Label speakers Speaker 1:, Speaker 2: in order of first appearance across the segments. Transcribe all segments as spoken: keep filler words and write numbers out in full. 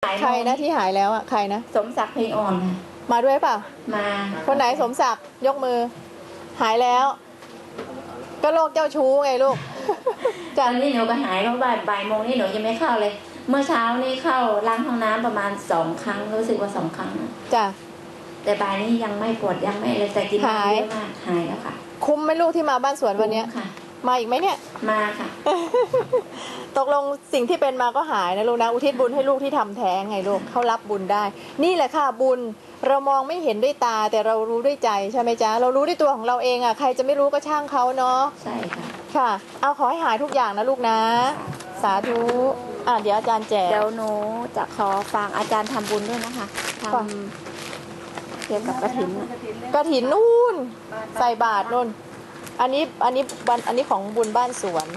Speaker 1: ใครนะที่หายแล้วอ่ะใครนะ
Speaker 2: สมศักดิ์เพลงอ่อน
Speaker 1: มาด้วยเปล่า
Speaker 2: มา
Speaker 1: คนไหนสมศักดิ์ยกมือหายแล้วก็โรคเจ้าชู้ไงลูก
Speaker 2: ตอนนี้หนูก็หายเพราะบ่ายบ่ายโมงนี่หนูยังไม่เข้าเลยเมื่อเช้านี่เข้าล้างห้องน้ำประมาณสองครั้งรู้สึกว่าสองครั้ง
Speaker 1: จ้ะ
Speaker 2: แต่บ่ายนี้ยังไม่ปวดยังไม่เลยแต่กินเยอะมากหายแล้วค่ะ
Speaker 1: คุ้มไหมลูกที่มาบ้านสวนวันนี้
Speaker 2: ค่ะ
Speaker 1: มาอีกไหมเนี่ย
Speaker 2: มาค่ะ
Speaker 1: ตกลงสิ่งที่เป็นมาก็หายนะลูกนะอุทิศบุญให้ลูกที่ทำแท้งไงลูกเขารับบุญได้นี่แหละค่ะบุญเรามองไม่เห็นด้วยตาแต่เรารู้ด้วยใจใช่ไหมจ๊ะเรารู้ด้วยตัวของเราเองอ่ะใครจะไม่รู้ก็ช่างเขาเนาะ
Speaker 2: ใช่ค่ะ
Speaker 1: ค่ะเอาขอให้หายทุกอย่างนะลูกนะสาธุอ่ะเดี๋ยวอาจารย์แจก
Speaker 2: เดี๋ยวหนูจะขอฟังอาจารย์ทำบุญด้วยนะคะทำเกี่ยวกับกฐิน
Speaker 1: กฐินนู่นใส่บาตรนู่นอันนี้อันนี้บันอันนี้ของบุญบ้านสวน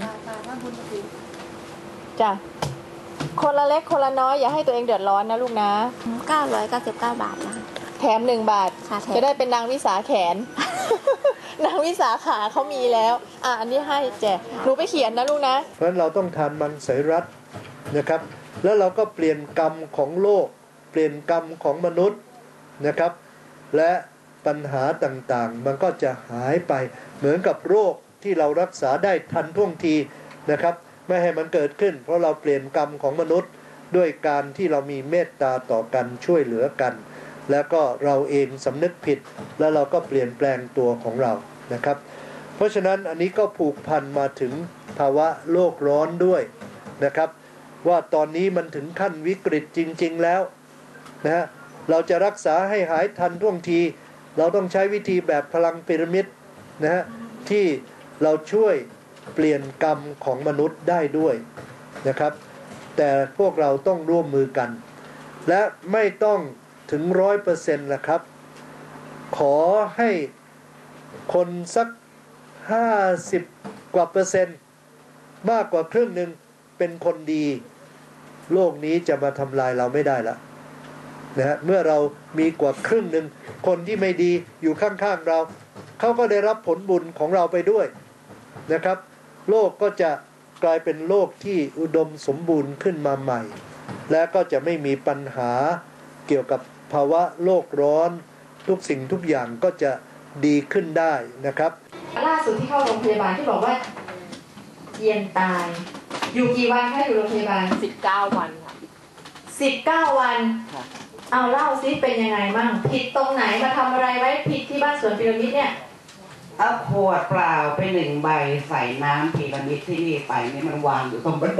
Speaker 1: จ้ะคนละเล็กคนละน้อยอย่าให้ตัวเองเดือดร้อนนะลูกนะ
Speaker 2: เก้าร้อยเก้าสิบเก้าบาทนะ
Speaker 1: แถมหนึ่งบาทจะได้เป็นนางวิสาแขน นางวิสาขาเขามีแล้วอ่ะอันนี้ให้แจกหนูไปเขียนนะลูกนะ
Speaker 3: เพราะฉะนั้นเราต้องทานมังสวิรัตินะครับแล้วเราก็เปลี่ยนกรรมของโลกเปลี่ยนกรรมของมนุษย์นะครับและปัญหาต่างๆมันก็จะหายไปเหมือนกับโรคที่เรารักษาได้ทันท่วงทีนะครับไม่ให้มันเกิดขึ้นเพราะเราเปลี่ยนกรรมของมนุษย์ด้วยการที่เรามีเมตตาต่อกันช่วยเหลือกันแล้วก็เราเองสำนึกผิดแล้วเราก็เปลี่ยนแปลงตัวของเรานะครับเพราะฉะนั้นอันนี้ก็ผูกพันมาถึงภาวะโลกร้อนด้วยนะครับว่าตอนนี้มันถึงขั้นวิกฤตจริงๆแล้วนะฮะเราจะรักษาให้หายทันท่วงทีเราต้องใช้วิธีแบบพลังพีระมิดนะฮะที่เราช่วยเปลี่ยนกรรมของมนุษย์ได้ด้วยนะครับแต่พวกเราต้องร่วมมือกันและไม่ต้องถึงร้อยเปอร์เซ็นต์ละครับขอให้คนสักห้าสิบกว่าเปอร์เซ็นต์มากกว่าครึ่งหนึ่งเป็นคนดีโลกนี้จะมาทำลายเราไม่ได้ละนะฮะเมื่อเรามีกว่าครึ่งหนึ่งคนที่ไม่ดีอยู่ข้างๆเราเขาก็ได้รับผลบุญของเราไปด้วยนะครับโลกก็จะกลายเป็นโลกที่อุดมสมบูรณ์ขึ้นมาใหม่และก็จะไม่มีปัญหาเกี่ยวกับภาวะโลกร้อนทุกสิ่งทุกอย่างก็จะดีขึ้นได้นะครับ
Speaker 1: ล่าสุดที่เข้าโรงพยาบาลที่บอกว่าเย็นตายอยู่กี่วันคะอยู่โรงพยาบาล
Speaker 2: สิบเก้าวันค่ะ
Speaker 1: สิบเก้าวันเอาเล่าซิเป็นยังไงมั่งผิดตรงไหนมาทำอะไรไว้ผิดที่บ้านสวนพีระมิดเนี่ย
Speaker 4: เอาขวดเปล่าไปหนึ่งใบใส่น้ำพีระมิดที่นี่ไปนี่มันวางอยู่ตรงบันได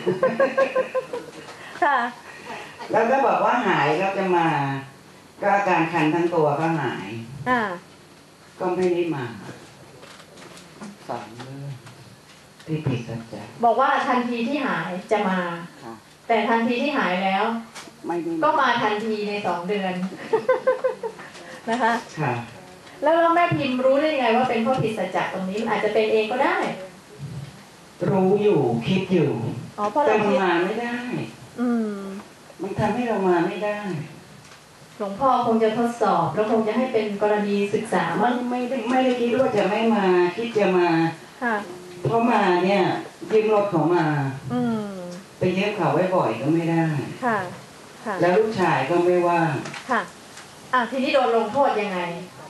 Speaker 1: ค่ะ
Speaker 4: แล้วก็บอกว่าหายแล้วจะมาก็อาการคันทั้งตัวก็หาย
Speaker 1: อ่า
Speaker 4: ก็ไม่ได้มาสองเรื่องที่ผิดสัจจะ
Speaker 1: บอกว่าทันทีที่หายจะมาแต่ทันทีที่หายแล้วก็มาทันทีในสองเดือนนะคะ
Speaker 4: ค่ะ
Speaker 1: แล้วแม่พิมพ์รู้ได้ยังไงว่าเป็นเพราะผิดสัจจะตรงนี้อาจจะเป็นเองก็ได้
Speaker 4: รู้อยู่คิดอยู่
Speaker 1: อ๋อเพราะเรา
Speaker 4: มาไม่ได้
Speaker 1: อืม
Speaker 4: มันทำให้เรามาไม่ได้
Speaker 1: หลวงพ่อคงจะทดสอบแล้วคงจะให้เป็นกรณีศึกษา
Speaker 4: ไม่ไม่ได้ไม่ได้คิดว่าจะไม่มาคิดจะมา
Speaker 1: ค่ะ
Speaker 4: เพราะมาเนี่ยยืมรถเขามา
Speaker 1: อืม
Speaker 4: ไปเยี่ยมเขาไว้บ่อยก็ไม่ได้
Speaker 1: ค่ะค่ะ
Speaker 4: แล้วลูกชายก็ไม่ว่าง
Speaker 1: ค่ะอ่ะทีนี้โดนลงโทษยังไง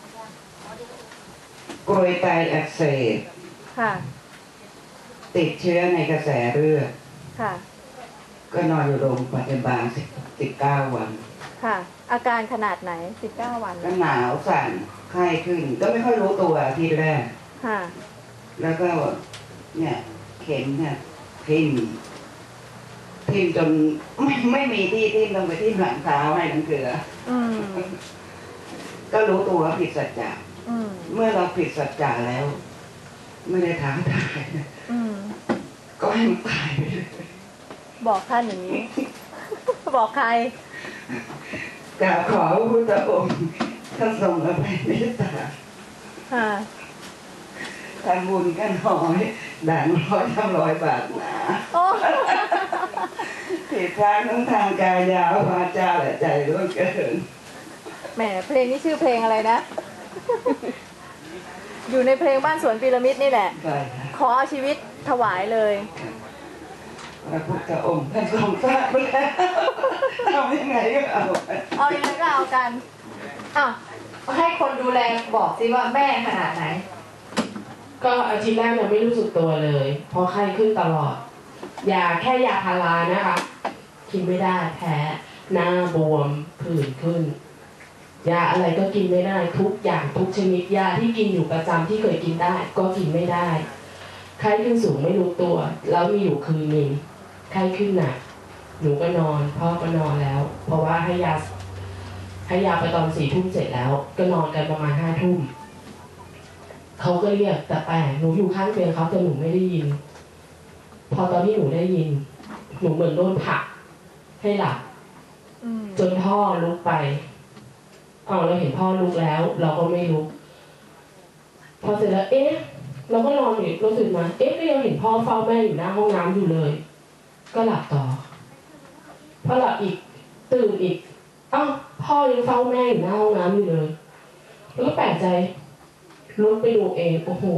Speaker 4: กรวยไตอักเสบ
Speaker 1: ค่ะ
Speaker 4: ติดเชื้อในกระแสเลือด
Speaker 1: ค่ะ
Speaker 4: ก็นอนอยู่โรงพยาบาลสิบเก้าวัน
Speaker 1: ค่ะอาการขนาดไหนสิบเก้าวัน
Speaker 4: ก็หนาวสั่นไข้ขึ้นก็ไม่ค่อยรู้ตัวทีแรก
Speaker 1: ค่ะ
Speaker 4: แล้วก็เนี่ยเข็มเนี่ยทิ่มทิ่มจนไม่ไม่มีที่ทิ่มลงไปที่หลังเท้าให้น้ำเกลือก็รู้ตัวว่าผิดสัจจะเมื่อเราผิดสัจจะแล้วไม่ได้ถามตายก็ให้มันตายไปเลย
Speaker 1: บอกท่านอย่างนี้บอกใคร
Speaker 4: กราบขอพระพุทธองค์ท่านทรงอภัยเมตตาทำบุญกันน้อยด่างร้อยทำร้อยบาทนะผิดทางทั้งทางกายยาววาจาและใจร่วงเกิน
Speaker 1: แหมเพลงนี้ชื่อเพลงอะไรนะอยู่ในเพลงบ้านสวนพีระมิดนี่แหละขอเอาชีวิตถวายเลย
Speaker 4: พระพุทธองค์ท่านทรงทราบแล้วยังไงก็เอา
Speaker 1: เอายังไงก็เอากันอ่ะให้คนดูแลบอกสิว่าแม่ขนาดไหน
Speaker 5: ก็อาทิตย์แรกเนี่ยไม่รู้สึกตัวเลยเพราะไข้ขึ้นตลอดยาแค่ยาพารานะคะกินไม่ได้แพ้หน้าบวมผื่นขึ้นยาอะไรก็กินไม่ได้ทุกอย่างทุกชนิดยาที่กินอยู่ประจำที่เคยกินได้ก็กินไม่ได้ไข้ขึ้นสูงไม่รู้ตัวแล้วมีอยู่คืนหนึ่งไข้ขึ้นหนักหนูก็นอนพ่อก็นอนแล้ว เพราะว่าให้ยาให้ยาไปตอนสี่ทุ่มเสร็จแล้วก็นอนกันประมาณห้าทุ่มเขาก็เรียกแต่แปลกหนูอยู่ข้างเตียงเขาแต่หนูไม่ได้ยินพอตอนที่หนูได้ยินหนูเหมือนโดนผลักให้หลับจนพ่อลุกไปพอเราเห็นพ่อลุกแล้ว เราก็ไม่ลุกพอเสร็จแล้วเอ๊ะเราก็นอนอยู่รู้สึกมาเอ๊ะก็ยังเห็นพ่อเฝ้าแม่อยู่หน้าห้องน้ำอยู่เลย ก็หลับต่อพอหลับอีกตื่นอีกอ้าวพ่อยังเฝ้าแม่อยู่หน้าห้องน้ำอยู่เลยแล้วก็แปลกใจลุกไปดูเองโอ้โห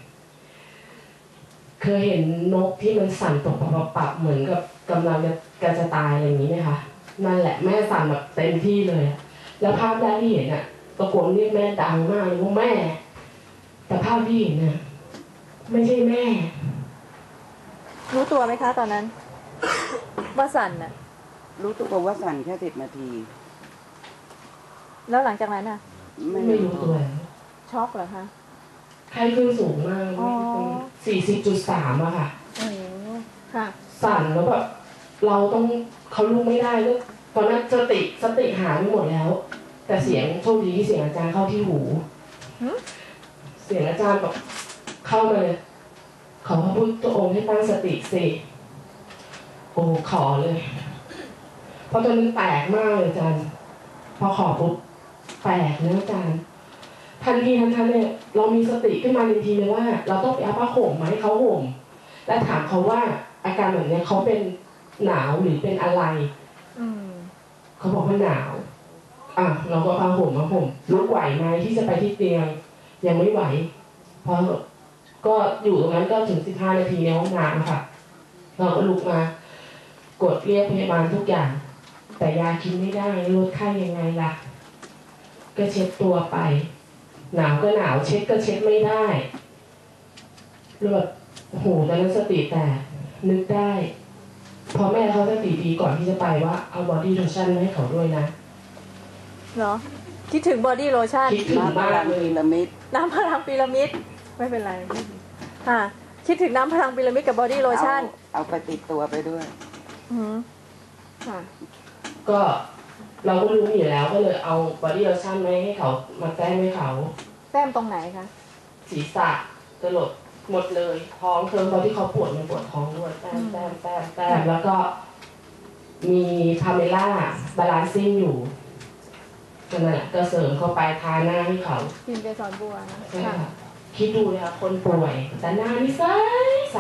Speaker 5: เคยเห็นนกที่มันสั่นตกปับปับเหมือนกับกำลังจะกจะตายอะไรอย่างนี้ไหมคะนั่นแหละแม่สั่นแบบเต็มที่เลยแล้วภาพแรกที่เห็นอ่ะตะโกนเรียกแม่ดังมากเลยว่าแม่แต่ภาพที่เห็นน่ะไม่ใช่แม่
Speaker 1: รู้ตัวไหมคะตอนนั้น ว่าสั่นน่ะ
Speaker 4: รู้ตัวว่าสั่นแค่สิบนาที
Speaker 1: แล้วหลังจากนั้นน่ะ
Speaker 5: ไม่รู้ตัว
Speaker 1: ช็อกเหรอคะ
Speaker 5: ไข้ขึ้นสูงมาก
Speaker 1: อ๋อ
Speaker 5: สี่สิบจุดสามอะค่ะ
Speaker 1: โอ้ค่ะ
Speaker 5: สั่นแล้วแบบเราต้องเขาลุกไม่ได้แล้วตอนนั้นสติสติหายไปหมดแล้ว แต่เสียงโชคดีที่เสียงอาจารย์เข้าที่หู เสียงอาจารย์แบบเข้ามาเลยขอพระพุทธองค์ให้ตั้งสติสิโอ้ขอเลยเพราะตอนนั้นแปลกมากเลยอาจารย์พอขอปุ๊บแปลกนะอาจารย์ทันทีทันทันเนี่ยเรามีสติขึ้นมาทันทีเลยว่า เราต้องไปเอาผ้าห่มมาให้เขาห่มและถามเขาว่าอาการแบบนี้เขาเป็นหนาวหรือเป็นอะไรเขาบอกว่าหนาวอ่ะเราก็เอาผ้าห่มมาห่มลุกไหวไหมที่จะไปที่เตียงยังไม่ไหวเพราะก็อยู่ตรงนั้นก็ถึงสิบห้านาทีในห้องน้ำค่ะเราก็ลุกมากดเรียกพยาบาลทุกอย่างแต่ยากินไม่ได้ลดไข้ยังไงล่ะก็เช็ดตัวไปหนาวก็หนาวเช็ดก็เช็ดไม่ได้เลือดโอ้โหตอนนั้นสติแตกนึกได้พอแม่เขาสติดีก่อนที่จะไปว่าเอาบอดี้โลชั่นมาให้เขาด้วยนะ
Speaker 1: เหรอคิดถึงบอดี้โลชั่น
Speaker 5: คิดถึงมากเลย
Speaker 4: พีระมิด
Speaker 1: น้ำพลังพีระมิดไม่เป็นไรค่ะคิดถึงน้ำพลังพีระมิดกับบอดี้โลชั่น
Speaker 4: เอาไปติดตัวไปด้วย
Speaker 1: อือค่ะ
Speaker 5: ก็เราก็รู้อยู่แล้วก็เลยเอาบอดี้โลชั่นมาให้เขามาแต้มให้เขา
Speaker 1: แต้มตรงไหนคะ
Speaker 5: ศีรษะกระโหลกหมดเลยท้องเคิร์มตอนที่เขาปวดมันปวดท้องด้วยแต้มแต้มแต้มแต้มแล้วก็มีพาเมล่าบาลานซิ่งอยู่นั่นแหละก็เสริมเข้าไปทาหน้าให้เขา
Speaker 1: กินเกสรบัวนะ
Speaker 5: ใช่ค่ะคิดดูเลยค่ะคนป่วยแต่หน้านี่ใสใส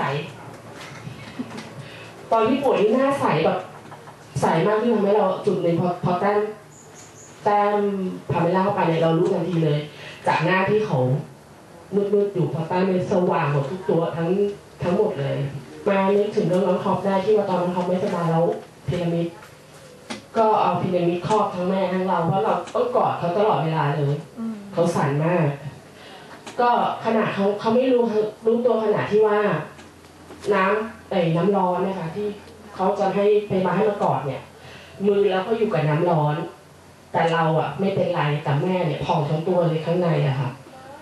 Speaker 5: ตอนที่ป่วยนี่หน้าใสแบบใสมากที่ทำให้เราจุดหนึ่งพอพอแต้มแต้มพาเมล่าเข้าไปเนี่ยเรารู้ทันทีเลย จากหน้าที่เขามืดๆอยู่พอแต้มเนี่ยสว่างหมดทุกตัวทั้งทั้งหมดเลยมานึกถึงเรื่องน้องท็อปได้ที่ว่าตอนน้องท็อปไม่สบายแล้วพีระมิดก็เอาพีระมิดครอบทั้งแม่ทั้งเราเพราะเราต้องกอดเขาตลอดเวลาเลยเขาสั่นมากก็ขณะเขาเขาไม่รู้รู้ตัวขณะที่ว่าน้ำไอ้น้ำร้อนนะคะที่เขาจะให้ไปมาให้มากอดเนี่ยมือแล้วก็อยู่กับน้ำร้อนแต่เราอ่ะไม่เป็นไรแต่แม่เนี่ยพองทั้งตัวเลยข้างในอะค่ะ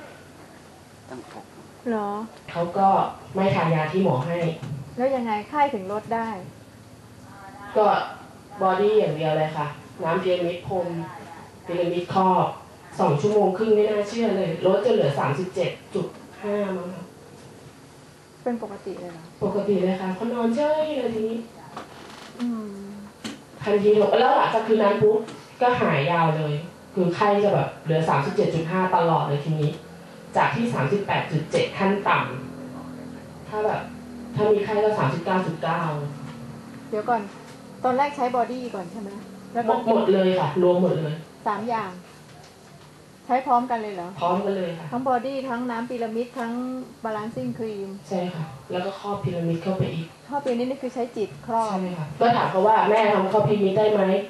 Speaker 1: เหรอ
Speaker 5: เขาก็ไม่ทานยาที่หมอให้
Speaker 1: แล้วยังไงไข้ถึงลดได้
Speaker 5: ก็บอดี้อย่างเดียวเลยค่ะน้ำพีระมิดพรมพีระมิดครอบสองชั่วโมงครึ่งไม่น่าเชื่อเลยลดจนเหลือสามสิบเจ็ดจุดห้ามั้งค่ะ
Speaker 1: เป็นปกติเลยเหรอ
Speaker 5: ปกติเลยค่ะเขานอนเฉยเลยทีนี้
Speaker 1: อืม
Speaker 5: ทันทีลงแล้วหลังจากคืนนั้นปุ๊บก็หายยาวเลย คือไข้จะแบบเหลือสามสิบเจ็ดจุดห้าตลอดเลยทีนี้ จากที่สามสิบแปดจุดเจ็ดขั้นต่ำถ้าแบบถ้ามีไข้ก็สามสิบเก้าจุดเก้า
Speaker 1: เดี๋ยวก่อนตอนแรกใช้บอดี้ก่อนใช่ไหมแล้ว
Speaker 5: หมดหมดเลยค่ะรวมหมดเลย
Speaker 1: สามอย่าง ใช้พร้อมกันเลยเหรอ
Speaker 5: พร้อมกันเลยค่ะ
Speaker 1: ทั้งบอดี้ทั้งน้ำพีระมิดทั้งบาลานซิ่งครีม
Speaker 5: ใช่ค่ะแล้วก็ครอบพีระมิดเข้าไปอีก
Speaker 1: ข้อเปลี่ยนนี้นี่คือใช้จิตครอบ
Speaker 5: ใช่ค่ะก็ถามเขาว่าแม่ทำครอบพีระมิดได้ไหม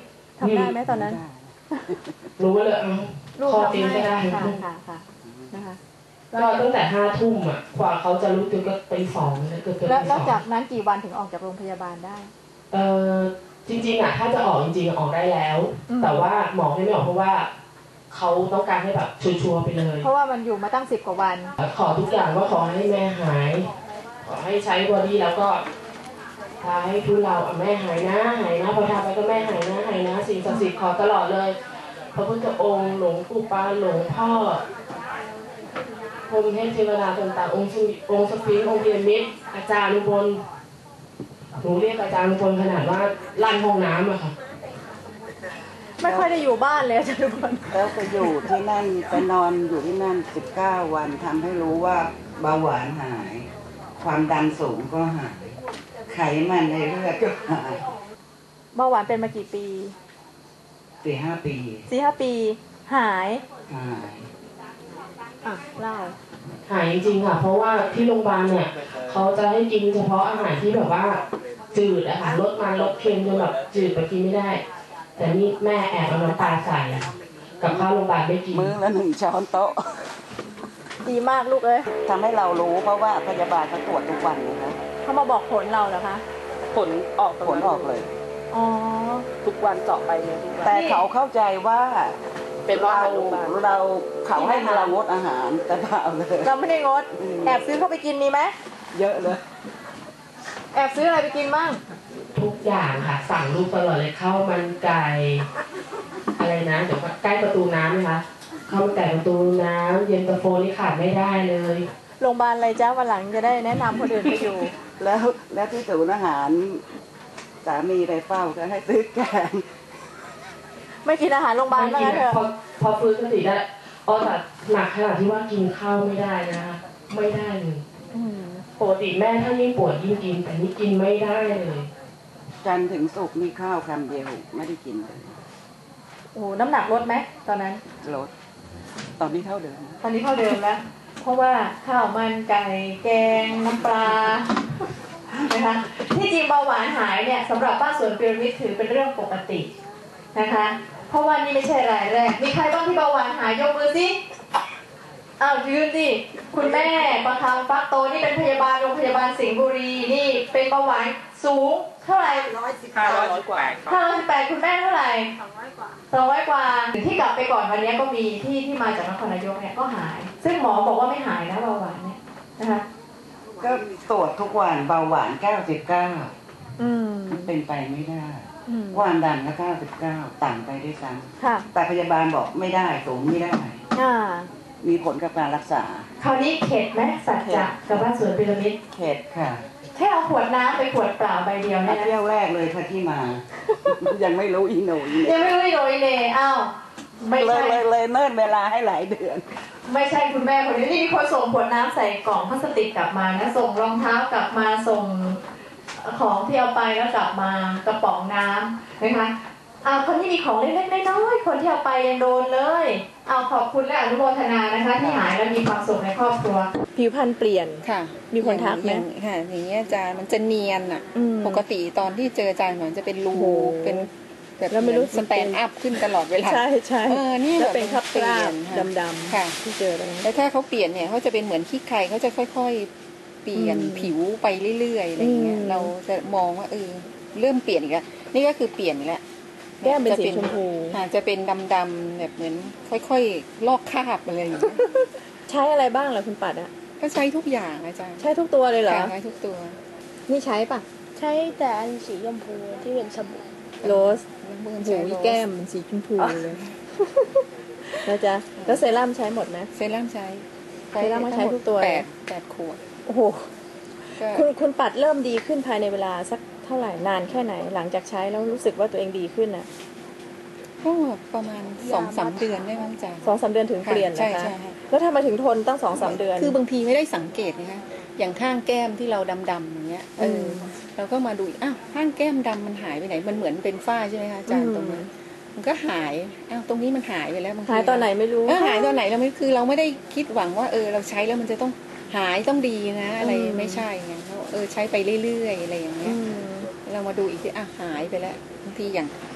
Speaker 1: ทำได้ไหมตอนนั้น
Speaker 5: รู้ว่าเลยเอา
Speaker 1: ลูก
Speaker 5: คอ
Speaker 1: ทำ
Speaker 5: เอง
Speaker 1: ให้
Speaker 5: ก็ได้
Speaker 1: ค่ะค่ะค่ะนะคะ
Speaker 5: ก็ตั้งแต่ห้าทุ่มอ่ะกว่าเขาจะรู้ตัวก็ตีสองเกือบเกือบ
Speaker 1: แล้ว
Speaker 5: ตี
Speaker 1: แล้ว
Speaker 5: สอง
Speaker 1: จากนั้นกี่วันถึงออกจากโรงพยาบาลได้
Speaker 5: เออจริงๆอ่ะถ้าจะออกจริงๆออกได้แล้ว
Speaker 1: อืม
Speaker 5: แต่ว่าหมอให้ไม่ออกเพราะว่าเขาต้องการให้แบบชัวร์ๆไปเลย
Speaker 1: เพราะว่ามันอยู่มาตั้งสิบกว่าวัน
Speaker 5: ขอทุกอย่างว่าขอให้แม่หาย ขอให้ใช้บอดี้แล้วก็ทาให้ทุเราอ่ะแม่หายนะหายนะพอทาไปก็แม่หายนะหายนะสิ่งศักดิ์สิทธิ์ขอตลอดเลยพระพุทธองค์หลวงปู่ปาหลวงพ่อพรหมเทพเทวดาต่างๆองค์สมิองค์สฟิงค์องค์พีระมิดอาจารย์ลุงพลหนูเรียกอาจารย์ลุงพลขนาดว่าลั่นห้องน้ำอะค่ะ
Speaker 1: ไม่ค่อยได้อยู่บ้านเลยจ้ะทุกคน
Speaker 4: แล้วไปอยู่ที่นั่นไปนอนอยู่ที่นั่นสิบเก้าวันทำให้รู้ว่าเบาหวานหาย ความดันสูงก็หาย ไขมันในเลือดก็หาย
Speaker 1: เบาหวานเป็นมากี่ปี
Speaker 4: สี่ห้าปี
Speaker 1: สี่ห้าปี หาย
Speaker 4: หาย
Speaker 1: อ่ะเล่า
Speaker 5: หายจริงๆค่ะ เพราะว่าที่โรงพยาบาลเนี่ยเขาจะให้กินเฉพาะอาหารที่แบบว่าจืดอะค่ะลดมันลดเค็มจนแบบจืดไปกินไม่ได้ แต่นี่แม่แอบเอาน้ำตาใส่กับข้าวโรงพยาบาลไม่กิน
Speaker 4: มื้อละหนึ่งช้อนโต๊ะ
Speaker 1: ดีมากลูกเอ้ย
Speaker 4: ทำให้เรารู้เพราะว่าพยาบาลเขาตรวจทุกวันนะคะ
Speaker 1: เขามาบอกผลเราเหรอคะ
Speaker 5: ผลออก
Speaker 4: ผลออกเลย
Speaker 1: อ๋อ
Speaker 5: ทุกวันเจาะไปเลยทุกวัน
Speaker 4: แต่เขาเข้าใจว่า
Speaker 5: เป็นว่า
Speaker 4: เรา
Speaker 5: โรงพยาบาล
Speaker 4: เราเขาให้เรางดอาหารแต่เปล่าเลย
Speaker 1: เราไม่ได้งด
Speaker 4: อืม
Speaker 1: แอบซื้อเข้าไปกินมีไหม
Speaker 4: เยอะเลย
Speaker 1: แอบซื้ออะไรไปกินบ้าง
Speaker 5: ทุกอย่างค่ะ สั่งลูกตลอดเลยข้าวมันไก่อะไรนะเดี๋ยวก่อนใกล้ประตูน้ำไหมคะข้าวมันไก่ประตูน้ำเย็นตาโฟนี่ขาดไม่ได้เลย
Speaker 1: โรงพยาบาลอะไรจ้าวันหลังจะได้แนะนำคนอื่นไปอยู่
Speaker 4: แล้วแล้วที่ศูนย์อาหารสามีไปเฝ้าก็ให้ซื้อแกง
Speaker 1: ไม่กินอาหารโรงพยาบาล
Speaker 5: ไม่
Speaker 1: ว่า
Speaker 5: กิน
Speaker 1: งั้นเถ
Speaker 5: อะพอ
Speaker 1: อะ
Speaker 5: พอฟื้นสติได้อ๋อแต่หนักขนาดที่ว่ากินข้าวไม่ได้นะคะไม่ได้เลย
Speaker 1: อืม
Speaker 5: ปกติแม่ถ้ายิ่งปวดยิ่งกิน แต่นี่กินไม่ได้เลย
Speaker 4: จันทร์ถึงศุกร์มีข้าวคำเดียวไม่ได้กินเลย
Speaker 1: โอ้โหน้ำหนักลดไหมตอนนั้น
Speaker 4: ลดตอนนี้เท่าเดิม
Speaker 1: ตอนนี้เท่าเดิมแล้ว เพราะว่าข้าวมันไก่แกงน้ำปลานะคะที่จริงเบาหวานหายเนี่ยสำหรับบ้านสวนพีระมิดถือเป็นเรื่องปกตินะคะ เพราะว่านี่ไม่ใช่รายแรกมีใครบ้างที่เบาหวานหายยกมือสิอ้าวยืนดิคุณแม่ประคำฟักโตนี่เป็นพยาบาลโรงพยาบาลสิงห์บุรีนี่เป็นเบาหวานสูงเท่าไหร่
Speaker 4: ร้อยสิบ
Speaker 5: ห้าร้อยกว่า
Speaker 1: ห้าร้อยสิบแปดคุณแม่เท่าไหร่สองร้อยกว่าสองร้อยกว่าที่กลับไปก่อนวันนี้ก็มีที่ที่มาจากนครนายกเนี่ยก็หาย ซึ่งหมอบอกว่าไม่หายนะเบาหวานเนี่ยนะคะ
Speaker 4: ก็ตรวจทุกวันเบาหวานเก้าสิบเก้า
Speaker 1: อืม
Speaker 4: เป็นไปไม่ได้
Speaker 1: อืม
Speaker 4: ความดันก็เก้าสิบเก้าต่ำไปด้วยซ้
Speaker 1: ค่ะ
Speaker 4: ำแต่พยาบาลบอกไม่ได้สูงไม่ได้
Speaker 1: อ่า
Speaker 4: มีผลกับการรักษา
Speaker 1: คราวนี้เข็ดไหมสัจจะกับบ้านสวนพีระมิด
Speaker 4: เข็ดค่ะ
Speaker 1: แค่เอาขวดน้ำไปขวดเปล่าใบเดียว
Speaker 4: มา
Speaker 1: เนี่ยนะ
Speaker 4: เที่ยวแรกเลยค่ะที่มา ยังไม่รู้อีโหนอีเห
Speaker 1: ยัง
Speaker 4: น่
Speaker 1: ไม่รู้อีโดยเนอ้าวไม่
Speaker 4: เลย
Speaker 1: ใช่
Speaker 4: เลยเลยเนิ่นเวลาให้หลายเดือน
Speaker 1: ไม่ใช่คุณแม่คนนี้นี่มีคนส่งขวดน้ำใส่กล่องพลาสติกกลับมานะส่งรองเท้ากลับมาส่งของที่เอาไปแล้วกลับมากระป๋องน้ำนะคะอ่าคนที่มีของเล็กๆน้อยๆคนที่เอาไปยังโดนเลยเอาขอบคุณและอนุโมทนานะคะ ที่หายและมีความสุขในครอบครัวผิวพรรณเปลี่ยน
Speaker 6: ค่ะ
Speaker 1: มีคนทักไหม
Speaker 6: อย่างค่ะอย่างเงี้ยอาจารย์มันจะเนียนอ่ะ
Speaker 1: อืม
Speaker 6: ปกติตอนที่เจออาจารย์เหมือนจะเป็นรู
Speaker 1: โอ้โห
Speaker 6: เป็นแบบ
Speaker 1: แล้วไม่รู้
Speaker 6: สแตนด์อัพขึ้นตลอดเวลา
Speaker 1: ใช่ใช่
Speaker 6: เออนี่
Speaker 1: แล้ว
Speaker 6: แบบ
Speaker 1: เป็นคราบ
Speaker 6: เปลี่ยน
Speaker 1: ๆ
Speaker 6: ค่ะ
Speaker 1: ดำ
Speaker 6: ค่ะ
Speaker 1: ๆที่เจอตรงนั้น
Speaker 6: แล้วถ้าเขาเปลี่ยนเนี่ยเขาจะเป็นเหมือนขี้ใครเขาจะค่อยๆ เปลี่ยน
Speaker 1: อืม
Speaker 6: ผิวไปเรื่อยๆอะไรเงี้ย
Speaker 1: อืม
Speaker 6: เราจะมองว่าเออเริ่มเปลี่ยนอีกแล้วนี่ก็คือเปลี่ยนอีกแล้ว
Speaker 1: แก้มเป็น
Speaker 6: จะ
Speaker 1: สีชมพู
Speaker 6: ค่ะจะเป็นดำๆแบบเหมือนค่อยๆลอกคราบอะไรอย่างเงี้ย
Speaker 1: ใช้อะไรบ้างเหรอคุณปัดอะ
Speaker 6: ก็ใช้ทุกอย่างอาจารย์
Speaker 1: ใช้ทุกตัวเลยเหรอ
Speaker 6: ค่ะใช้ทุกตัว
Speaker 1: นี่ใช้ปะ
Speaker 7: ใช้แต่อันสีชมพูที่เป็นสบู่
Speaker 1: โรส
Speaker 6: เมื่อ
Speaker 1: หู
Speaker 6: ใช้
Speaker 1: ย
Speaker 6: โรส
Speaker 1: แก้มเป็นสีชมพูเลยแล้วจะแล้วเซรั่มใช้หมดไหม
Speaker 6: เซรั่มใช้
Speaker 1: เซรั่มก็ใช้ทุกตัว
Speaker 6: แปดแปดขวด
Speaker 1: โอ้โห
Speaker 6: ก็
Speaker 1: คุณคุณปัดเริ่มดีขึ้นภายในเวลาสักเท่าไหร่นานแค่ไหน หลังจากใช้แล้วรู้สึกว่าตัวเองดีขึ้นอ่ะ
Speaker 6: ก็ประมาณสองสามเดือนได้มั้งจ้ะ
Speaker 1: สองสามเดือนถึงเปลี่ยน
Speaker 6: ใช่
Speaker 1: นะคะ
Speaker 6: ใช่ค่ะ
Speaker 1: แล้วทำไมถึงทนตั้งสองสามเดือน
Speaker 6: คือบางทีไม่ได้สังเกตนะคะอย่างข้างแก้มที่เราดำๆอย่างเงี้ยเอออ
Speaker 1: ม
Speaker 6: เราก็มาดูอีกอ้าวข้างแก้มดำมันหายไปไหนมันเหมือนเป็นฝ้าใช่ไหมคะอาจารย์ตรงนี้มันก็หายอ้าวตรงนี้มันหายไปแล้วบางที
Speaker 1: หายตอนไหนไม่รู้
Speaker 6: เออหายตอนไหนเราไม่คือเราไม่ได้คิดหวังว่าเออเราใช้แล้วมันจะต้องหายต้องดีนะ อะไรไม่ใช่ไงเราเออใช้ไปเรื่อยๆอะไรอย่างเงี้
Speaker 1: อื
Speaker 6: ย
Speaker 1: ม
Speaker 6: เรามาดูอีกทีอ่ะหายไปแล้วบางทีอย่าง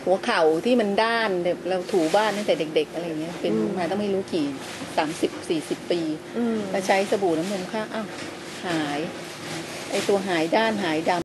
Speaker 6: หัวเข่าที่มันด้านแบบเราถูบ้านตั้งแต่เด็ก ๆ อะไรเงี้ยเป็นมาต้องไม่รู้กี่สามสิบสี่สิบปี
Speaker 1: อืม
Speaker 6: มาใช้สบู่น้ำนมข้างอ้าวหาย ไอตัวหายด้านหายดำ